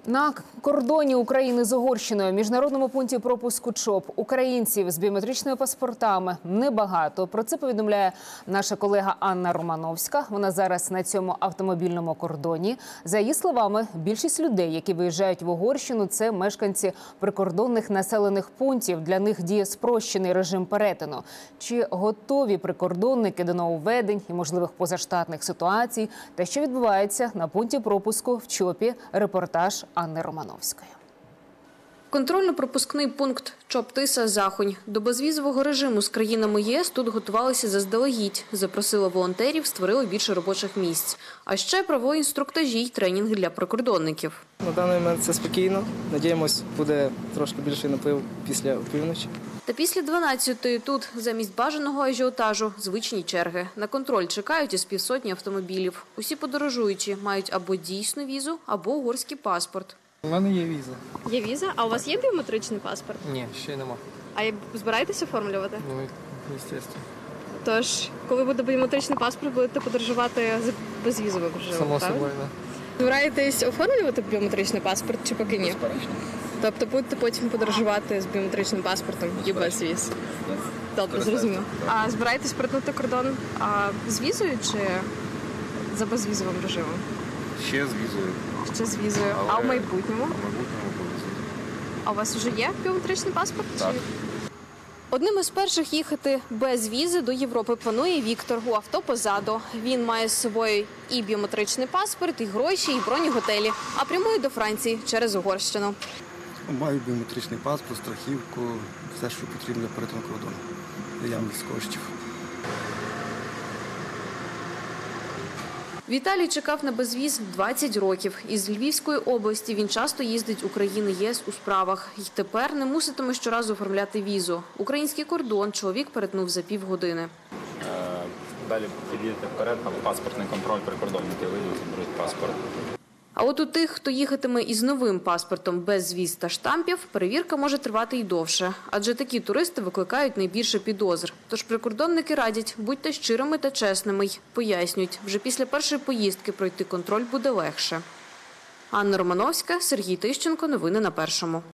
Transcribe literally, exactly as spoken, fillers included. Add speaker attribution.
Speaker 1: На кордоні України з Угорщиною, міжнародному пункті пропуску ЧОП, українців з біометричними паспортами небагато. Про це повідомляє наша колега Анна Романовська. Вона зараз на цьому автомобільному кордоні. За її словами, більшість людей, які виїжджають в Угорщину, це мешканці прикордонних населених пунктів. Для них діє спрощений режим перетину. Чи готові прикордонники до нововведень і можливих позаштатних ситуацій? Та що відбувається на пункті пропуску в ЧОПі? Репортаж Анни Романовської.
Speaker 2: Контрольно-пропускний пункт ЧОП-Тиса-Захонь. До безвізового режиму з країнами ЄС тут готувалися заздалегідь. Запросили волонтерів, створили більше робочих місць. А ще провели інструктажі й тренінги для прикордонників.
Speaker 3: На даний момент це спокійно. Надіємось, буде трошки більший наплив після опівночі.
Speaker 2: Та після дванадцятої тут замість бажаного ажіотажу звичні черги. На контроль чекають із півсотні автомобілів. Усі подорожуючі мають або дійсну візу, або угорський паспорт.
Speaker 3: У мене є віза.
Speaker 4: Є віза? А у вас є біометричний паспорт?
Speaker 3: Ні, ще нема.
Speaker 4: А збираєтесь оформлювати?
Speaker 3: Ну, звісно.
Speaker 4: Тож, коли буде біометричний паспорт, будете подорожувати з безвізовим режимом,
Speaker 3: Само
Speaker 4: правильно?
Speaker 3: собою, так.
Speaker 4: Збираєтесь оформлювати біометричний паспорт чи поки ні?
Speaker 3: Безперечно.
Speaker 4: Тобто будете потім подорожувати з біометричним паспортом і без віз? Добре, зрозуміло. А збираєтесь перетнути кордон а, з візою чи за безвізовим режимом?
Speaker 5: Ще з візою.
Speaker 4: Ще з візою.
Speaker 5: Але
Speaker 4: А в майбутньому?
Speaker 5: В майбутньому повезуть.
Speaker 4: А у вас вже є біометричний паспорт?
Speaker 5: Так.
Speaker 4: Чи...
Speaker 2: Одним із перших їхати без візи до Європи планує Віктор. У авто позаду. Він має з собою і біометричний паспорт, і гроші, і бронеготелі. А прямує до Франції через Угорщину.
Speaker 6: Маю біометричний паспорт, страхівку, все, що потрібно для перетину кордону. Наявність коштів.
Speaker 2: Віталій чекав на безвіз двадцять років. Із Львівської області він часто їздить у країни ЄС у справах. І тепер не муситиме щоразу оформляти візу. Український кордон чоловік перетнув за півгодини.
Speaker 5: Далі підійдете вперед, там паспортний контроль, прикордонники вийдуть, заберуть паспорт.
Speaker 2: А от у тих, хто їхатиме із новим паспортом без віз та штампів, перевірка може тривати й довше. Адже такі туристи викликають найбільше підозр. Тож прикордонники радять, будьте щирими та чесними й пояснюють, вже після першої поїздки пройти контроль буде легше. Анна Романовська, Сергій Тищенко. Новини на Першому.